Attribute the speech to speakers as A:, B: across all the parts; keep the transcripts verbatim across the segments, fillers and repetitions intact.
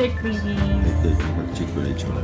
A: ekmeğimiz.
B: Etli ekmek bak çek böyle içime.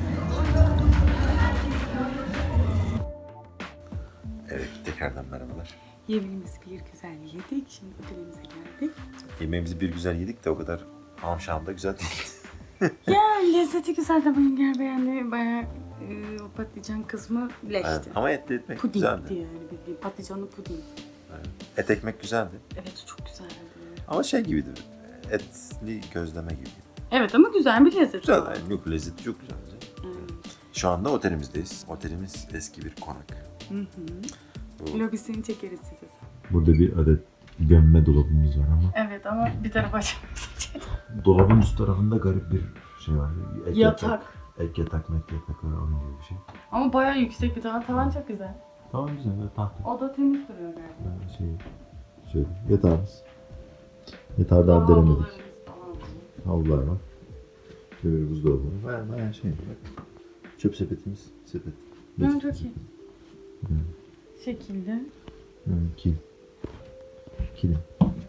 B: Evet tekrardan merhabalar.
A: Yemeğimizi bir güzel yedik. Şimdi otelimize geldik.
B: Yemeğimizi bir güzel yedik de o kadar amşam da güzel değil.
A: Ya lezzeti güzel de Bayınger beğendi. Bayağı e, o patlıcan kısmı leşti.
B: Evet, ama etli ekmek
A: Pudingdi
B: güzeldi.
A: yani bildiğin patlıcanlı puding.
B: Evet. Et ekmek güzeldi.
A: Evet çok güzeldi.
B: Ama şey gibiydi. Etli gözleme gibiydi.
A: Evet ama güzel bir lezzet.
B: Güzel
A: var.
B: yani yok lezzeti çok güzeldi.
A: Evet.
B: Şu anda otelimizdeyiz. Otelimiz eski bir konak.
A: Hı hı.
B: Bu-
A: Lobisini çekeriz size.
B: Burada bir adet gömme dolabımız var ama
A: Evet ama bir tarafa açamıyoruz.
B: dolabın üst tarafında garip bir şey var. Ek
A: Yatak.
B: Ek yatak, mek yatak var onun gibi bir şey.
A: Ama bayağı yüksek bir tavan. Tavan çok güzel.
B: Tamam güzel böyle tahta.
A: O da temiz duruyor galiba.
B: Yani şey, şöyle yatağımız. Yatağı daha
A: Havlularımız
B: denemedik.
A: falan.
B: Havlular var. Şöyle bir buzdolabı var. Bayağı bayağı şey. Bak. Çöp sepetimiz. Sepet.
A: Hı, çok iyi.
B: Hı.
A: Şekilde.
B: Hı, kilim. Kilim.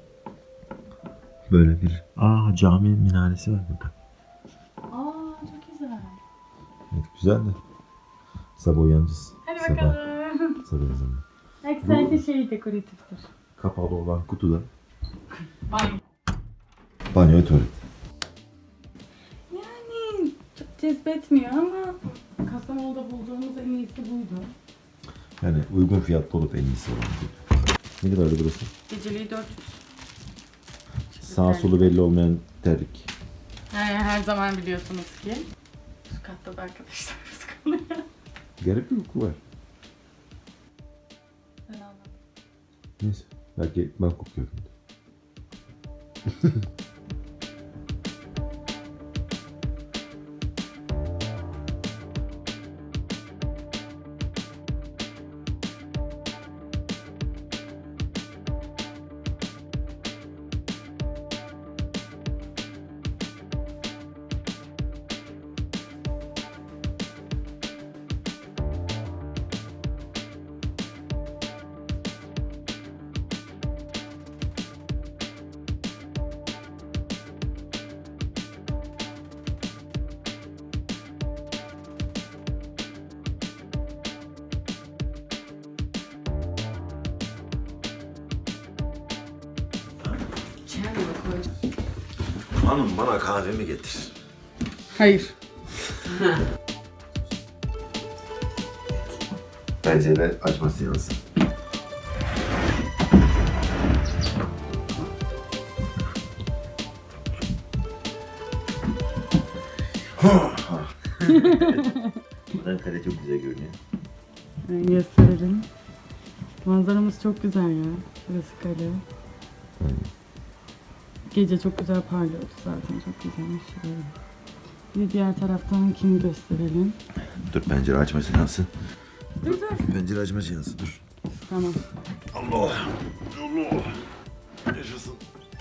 B: Böyle bir... Aa cami minaresi var burada.
A: Aa çok güzel.
B: Evet güzel de. Sabah uyanacağız.
A: Hadi
B: Sabah.
A: bakalım.
B: Sabah ezanı.
A: Belki sadece şey dekoratiftir.
B: Kapalı olan kutuda.
A: Banyo.
B: Banyo ve tuvalet.
A: Yani çok cezbetmiyor ama Kastamonu'da bulduğumuz en iyisi buydu.
B: Yani uygun fiyatlı olup en iyisi olan. Ne kadardı burası?
A: Geceliği dört yüz.
B: Sağ solu belli olmayan terlik.
A: Yani her zaman biliyorsunuz ki üst katta da arkadaşlarımız kalıyor.
B: Garip bir koku var.
A: Ben anladım.
B: Neyse. Belki ben kokuyorum. Hanım bana kahvemi getir.
A: Hayır.
B: Pencere açma seansı. Buradan kale çok güzel görünüyor.
A: Ben gösterelim. Manzaramız çok güzel ya. Burası kale. Gece çok güzel parlıyordu zaten. Çok güzelmiş. Şuraya. Bir de diğer taraftan kimi gösterelim.
B: Dur pencere açma seansı.
A: Dur dur.
B: Pencere açma seansı dur.
A: Tamam.
B: Allah. Allah. Yaşasın.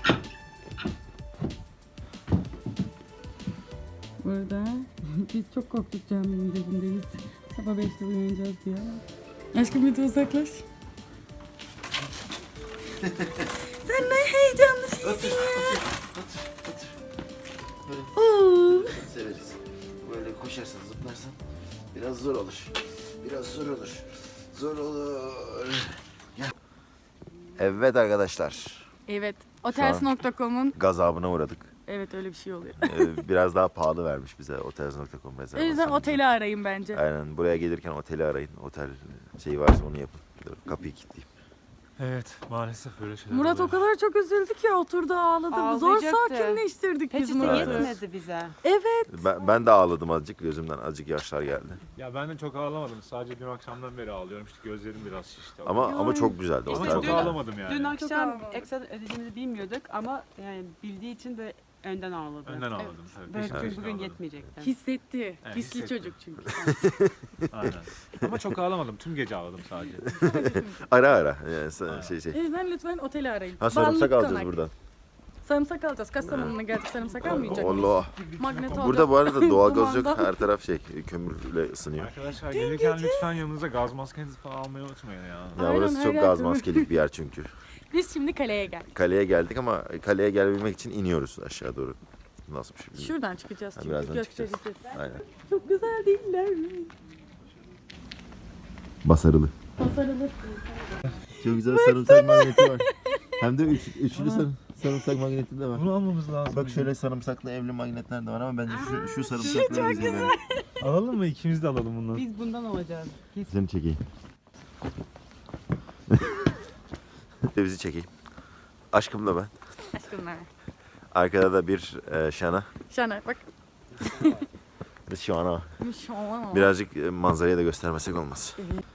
A: Burada biz çok korktuk caminin dibindeyiz. Sabah beşte uyanacağız diye. Aşkım bir de uzaklaş. Sen ne heyecanlısın
B: Otur,
A: ya.
B: otur, otur, otur. Böyle
A: Oo.
B: severiz. Böyle koşarsan, zıplarsan biraz zor olur. Biraz zor olur. Zor olur. Gel. Evet arkadaşlar.
A: Evet, otels nokta com'un
B: Gazabına uğradık.
A: evet öyle bir şey oluyor.
B: Ee, biraz daha pahalı vermiş bize otels nokta com
A: O yüzden
B: rezervasyonu.
A: oteli arayın bence.
B: Aynen buraya gelirken oteli arayın. Otel şeyi varsa onu yapın. Dur, kapıyı kilitleyeyim.
C: Evet, maalesef böyle şeyler
A: Murat o
C: oluyor.
A: kadar çok üzüldü ki oturdu ağladı. Zor
D: Ağlayacaktı.
A: sakinleştirdik biz
D: Peçete
A: Murat'ı.
D: yetmedi bize.
A: Evet.
B: Ben, ben de ağladım azıcık. Gözümden azıcık yaşlar geldi.
C: Ya ben de çok ağlamadım. Sadece dün akşamdan beri ağlıyorum. İşte gözlerim biraz şişti.
B: Ama ama çok güzeldi.
C: Ama
B: otel
C: çok
B: de.
C: ağlamadım yani.
D: Dün
A: Çok
D: akşam
A: ağlamadık.
D: ekstra ödediğimizi bilmiyorduk ama yani bildiği için de önden ağladı.
C: Önden ağladım.
D: Evet.
C: Tabii,
D: Belki
C: peşin peşin
D: bugün
C: ağladım.
D: yetmeyecekti.
A: Hissetti.
C: Evet,
A: Hisli
C: hissetti.
A: çocuk çünkü.
C: Aynen. Ama çok ağlamadım. Tüm gece ağladım sadece.
B: Ara ara. Yani sen- şey şey.
A: O yüzden lütfen oteli arayın.
B: Ha sarımsak
A: Ballık
B: alacağız
A: konak.
B: buradan.
A: Sarımsak alacağız. Kastamonu'na geldik sarımsak almayacak mıyız?
B: Allah.
A: Magnet alacağız.
B: Burada bu arada doğalgaz yok.
A: Dumandan.
B: Her taraf şey kömürle ısınıyor.
C: Arkadaşlar gelirken lütfen yanınıza gaz maskenizi falan almayı unutmayın ya.
B: Ya
A: Aynen,
B: burası
A: her
B: çok
A: yer
B: gaz
A: kömür.
B: maskelik bir yer çünkü.
A: Biz şimdi kaleye geldik.
B: Kaleye geldik ama kaleye gelebilmek için iniyoruz aşağı doğru. Nasıl bir şey?
A: Şuradan çıkacağız
B: Ha,
A: çünkü
B: birazdan
A: göstereceğiz.
B: Aynen.
A: Çok güzel değiller mi?
B: Basarılı.
A: Tasarılı.
B: Çok güzel sarımsak magneti var. Hem de üç, üçlü sarım, sarımsak magneti de var.
C: Bunu almamız lazım.
B: Bak şöyle sarımsaklı evli magnetler de var ama bence şu, şu sarımsaklı güzel. Yani.
C: Alalım mı? İkimiz de alalım bundan.
D: Biz bundan alacağız. Kesin.
B: Seni çekeyim. Bizi çekeyim. Aşkımla ben.
A: Aşkım ben.
B: Arkada da bir e, Şana.
A: Şana bak.
B: Bir Şana.
A: Şana.
B: Birazcık e, manzarayı da göstermesek olmaz.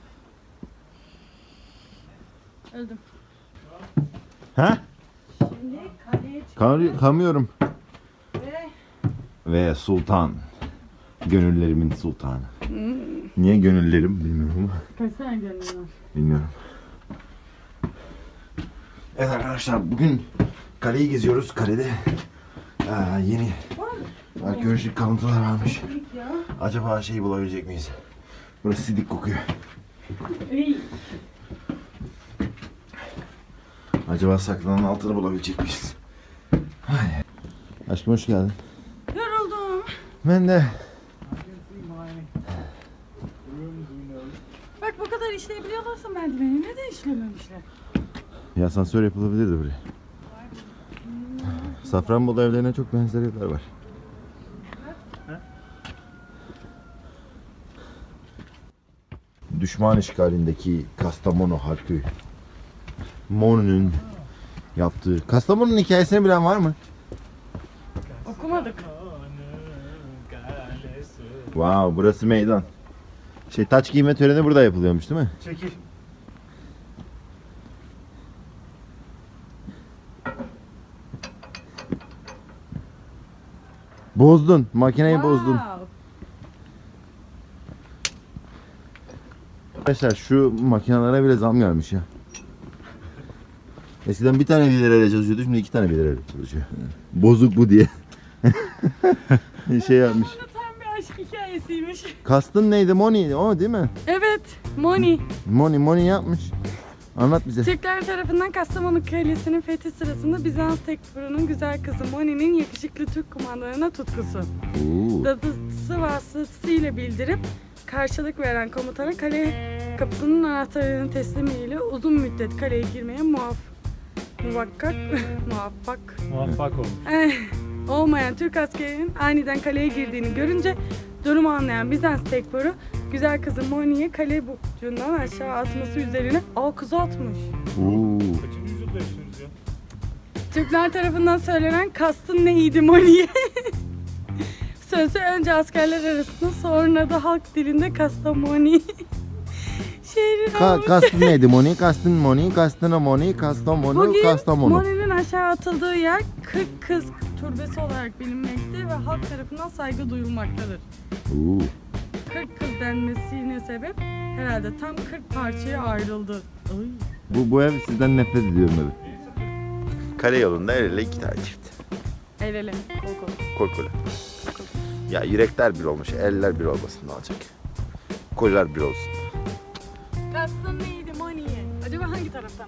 A: Öldüm.
B: Ha?
D: Şimdi kaleye
B: Kam kamıyorum.
D: Ve
B: Ve sultan. Gönüllerimin sultanı.
A: Hmm.
B: Niye gönüllerim bilmiyorum ama.
A: Kaç tane gönlün var?
B: Bilmiyorum. Evet arkadaşlar bugün kaleyi geziyoruz. Kalede aa, yeni arkeolojik kalıntılar varmış. Acaba şeyi bulabilecek miyiz? Burası sidik kokuyor.
A: İyi.
B: Acaba saklanan altını bulabilecek miyiz? Ay. Aşkım hoş geldin.
A: Yoruldum.
B: Ben de.
A: Bak bu kadar işleyebiliyorlarsa merdiveni neden işlememişler?
B: Bir asansör yapılabilirdi buraya. Safranbolu evlerine çok benzer evler var. Düşman işgalindeki Kastamonu halkı Monu'nun yaptığı. Kastamonu'nun hikayesini bilen var mı?
A: Okumadık.
B: Wow, burası meydan. Şey taç giyme töreni burada yapılıyormuş değil mi?
C: Çekil.
B: Bozdun, makineyi bozdun.
A: Wow.
B: Arkadaşlar şu makinelere bile zam gelmiş ya. Eskiden bir tane bir lirayla çalışıyordu, şimdi iki tane bir lirayla çalışıyor. Bozuk bu diye. şey yapmış.
A: Bu tam bir aşk hikayesiymiş.
B: Kastın neydi? Money, o değil mi?
A: Evet, Moni.
B: Money, money yapmış. Anlat bize.
A: Türkler tarafından Kastamonu Kalesi'nin fethi sırasında Bizans Tekfuru'nun güzel kızı Moni'nin yakışıklı Türk kumandanına tutkusu.
B: Oo.
A: Dadısı vasıtasıyla bildirip karşılık veren komutana kale kapısının anahtarlarını teslimiyle uzun müddet kaleye girmeye muaf muvakkak muvaffak
C: Muvaffak olun.
A: eh, olmayan Türk askerinin aniden kaleye girdiğini görünce durumu anlayan Bizans Tekfuru güzel kızı Moni'ye kale burcundan aşağı atması üzerine aa kızı atmış.
B: Oo.
C: Kaçıncı yüzyılda yaşıyoruz ya?
A: Türkler tarafından söylenen kastın neydi Moni'ye? Sözü önce askerler arasında sonra da halk dilinde Kastamoni şehri
B: Ka
A: olmuş.
B: kastın neydi? Money, kastın money, kastın money, Kastamonu,
A: Bugün
B: Kastamonu.
A: Moni'nin aşağı atıldığı yer kırk kız türbesi olarak bilinmekte ve halk tarafından saygı duyulmaktadır.
B: Oo.
A: kırk kız denmesine sebep herhalde tam kırk parçaya ayrıldı. Ay.
B: Bu, bu ev sizden nefret ediyorum evi. Kale yolunda el ele iki tane çift.
A: El ele, kol kol.
B: Kol kola. Ya yürekler bir olmuş, eller bir olmasın ne olacak? Koller bir olsun.
A: Kastın neydi Moni'ye? Acaba hangi taraftan?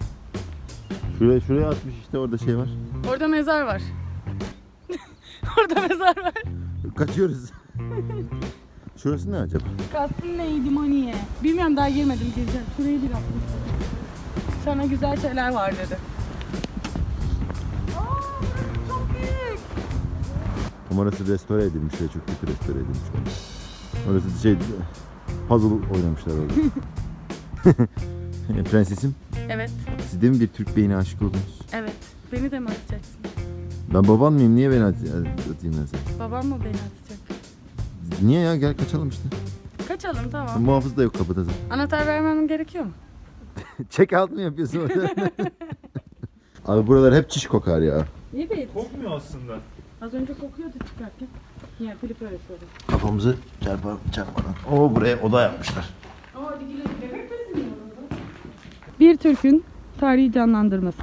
B: Şuraya şuraya atmış işte orada şey var.
A: Orada mezar var. Orada mezar var.
B: Kaçıyoruz. Şurası ne acaba?
A: Kastın neydi Moni'ye? Bilmiyorum daha girmedim gireceğim. Şurayı bir yaptım. Sana güzel şeyler var dedi. Aa, burası çok büyük.
B: Ama orası restore edilmiş ve çok kötü restore edilmiş. Orası şey puzzle oynamışlar orada. Prensesim,
A: Evet,
B: siz de mi bir Türk beyine aşık oldunuz?
A: evet. Beni de mi atacaksın?
B: Ben baban mıyım? Niye beni at atayım ben seni?
A: Babam mı beni atacak?
B: Niye ya? Gel kaçalım işte.
A: Kaçalım tamam.
B: Muhafız da yok kapıda zaten.
A: Anahtar vermem gerekiyor mu?
B: Check out mı yapıyorsun orada? Abi buralar hep çiş kokar ya.
A: Evet.
C: Kokmuyor aslında.
A: Az önce kokuyordu çıkarken. Ya Filip öyle söyledi.
B: Kafamızı çarpar, çarpmadan. Oo buraya oda yapmışlar.
A: Ama hadi gidelim. Bebek bezini orada. Bir Türk'ün tarihi canlandırması.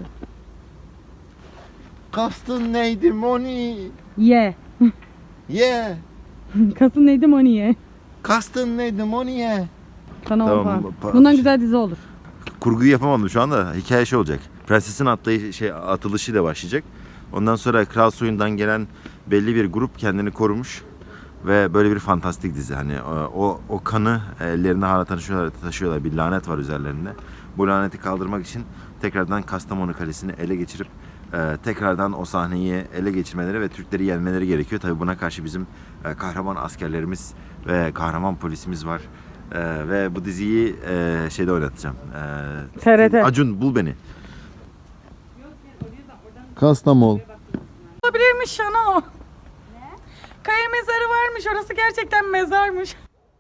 B: Kastın neydi Moni?
A: Ye.
B: Yeah.
A: Kasın neydi Moni'ye?
B: Kastın neydi Moni ye?
A: Sana
B: Tamam,
A: on
B: pa-
A: puan. Bundan güzel dizi olur.
B: Kurguyu yapamadım şu anda. Hikaye şey olacak. Prensesin atlayı şey atılışıyla başlayacak. Ondan sonra kral soyundan gelen belli bir grup kendini korumuş ve böyle bir fantastik dizi. Hani o o kanı ellerinde hala taşıyorlar, taşıyorlar. Bir lanet var üzerlerinde. Bu laneti kaldırmak için tekrardan Kastamonu Kalesi'ni ele geçirip e, tekrardan o sahneyi ele geçirmeleri ve Türkleri yenmeleri gerekiyor. Tabii buna karşı bizim e, kahraman askerlerimiz ve kahraman polisimiz var. E, ve bu diziyi e, şeyde oynatacağım. E,
A: T R T.
B: Acun bul beni. Kastamonu.
A: Olabilirmiş Şano. Ne? Kaya mezarı varmış. Orası gerçekten mezarmış.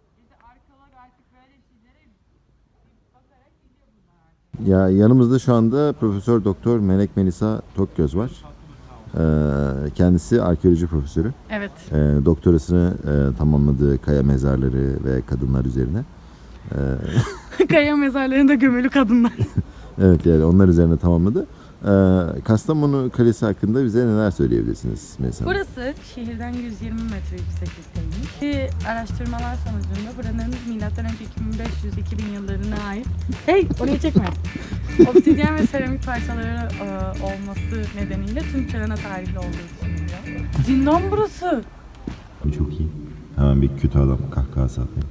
B: Ya yanımızda şu anda Profesör Doktor Melek Melisa Tokgöz var. Ee, kendisi arkeoloji profesörü.
A: Evet.
B: Ee, doktorasını e, tamamladığı kaya mezarları ve kadınlar üzerine. Ee,
A: Kaya mezarlarında gömülü kadınlar.
B: evet yani onlar üzerine tamamladı. Ee, Kastamonu Kalesi hakkında bize neler söyleyebilirsiniz mesela?
A: Burası şehirden yüz yirmi metre yükseklikteymiş. Bir araştırmalar sonucunda buranın milattan önce iki bin beş yüz iki bin yıllarına ait. Hey, orayı çekme. Obsidyen ve seramik parçaları e, olması nedeniyle tüm çağına tarihli olduğu düşünülüyor. Zindan burası.
B: Çok iyi. Hemen bir kötü adam kahkahası atayım.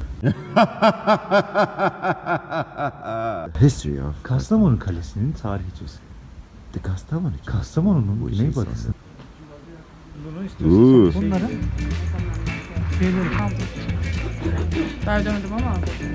B: History of
C: Kastamonu Kalesi'nin tarihçisi.
B: the Kastamonu.
C: Kastamonu'nun
B: Bu işin
C: güneybatısı. Bunu
B: Uuu.
C: istiyorsan bunların şeyleri.
A: Ben ödemedim ama.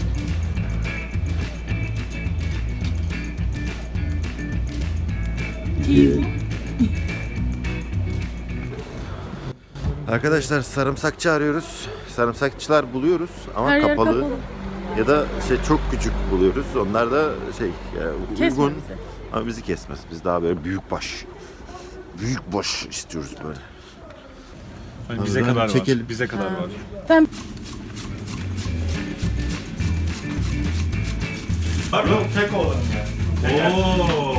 B: Arkadaşlar sarımsakçı arıyoruz. Sarımsakçılar buluyoruz ama
A: Her yer
B: kapalı.
A: kapalı.
B: Ya da şey çok küçük buluyoruz. Onlar da şey yani
A: Kesme
B: uygun
A: bizi.
B: ama bizi kesmez. Biz daha böyle büyük baş. Büyük baş istiyoruz böyle.
C: Hani bize
B: Ben
C: kadar
B: çekelim.
C: var. Bize kadar var.
A: Sen
C: Bak yok tek olalım ya. Ooo.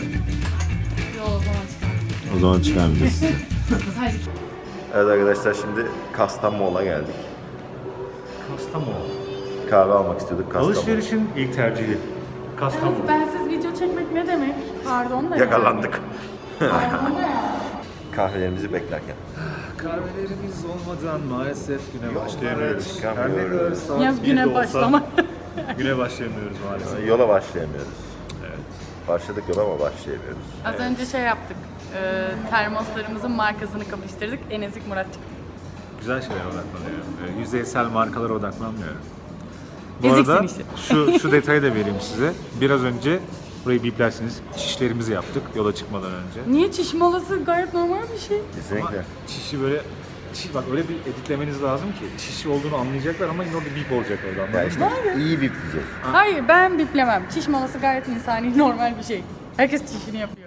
B: O zaman çıkarmayacağız. Evet arkadaşlar şimdi Kastamonu'na geldik.
C: Kastamonu.
B: Kahve almak istiyorduk Kastamonu.
C: Alışverişin ilk tercihi. Kastamonu.
A: bensiz video çekmek ne demek? Pardon da.
B: Yakalandık.
A: Pardon da ya.
B: Kahvelerimizi beklerken.
C: Kahvelerimiz olmadan maalesef güne başlayamıyoruz.
B: çıkamıyoruz.
C: Saat
A: Yaz
C: yedi
A: güne
C: olsa
A: başlama.
C: Güne başlayamıyoruz maalesef.
B: Yola başlayamıyoruz.
C: Evet.
B: Başladık yola ama başlayamıyoruz.
A: Az önce şey yaptık. E, termoslarımızın markasını kapıştırdık. En ezik Murat çıktı.
C: Güzel şeylere odaklanıyorum. Ee, Yüzeysel markalara odaklanmıyorum. Bu
A: Eziksin
C: arada
A: işte.
C: şu, şu detayı da vereyim size. Biraz önce burayı biplersiniz. Çişlerimizi yaptık yola çıkmadan önce.
A: Niye çiş molası gayet normal bir şey.
B: Kesinlikle.
C: Çişi böyle çiş, bak öyle bir editlemeniz lazım ki çişi olduğunu anlayacaklar ama yine orada bip olacak orada.
B: Ya
C: anladın mı?
B: işte iyi bip diyeceğiz.
A: Hayır ben biplemem. Çiş molası gayet insani normal bir şey. Herkes çişini yapıyor.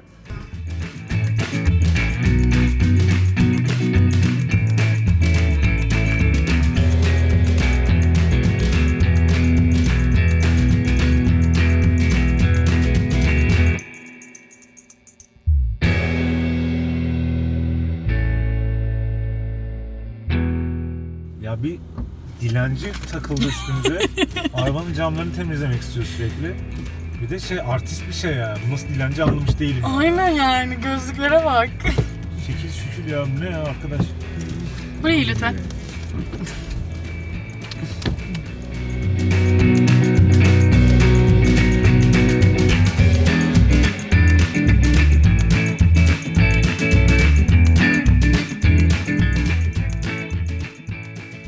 C: Ya bir dilenci takıldı üstümüze. Arabanın camlarını temizlemek istiyor sürekli. Bir de şey artist bir şey ya. Bu nasıl dilenci anlamış değilim.
A: Aynen yani gözlüklere bak.
C: Şekil şükür ya bu ne ya arkadaş.
A: Burayı lütfen.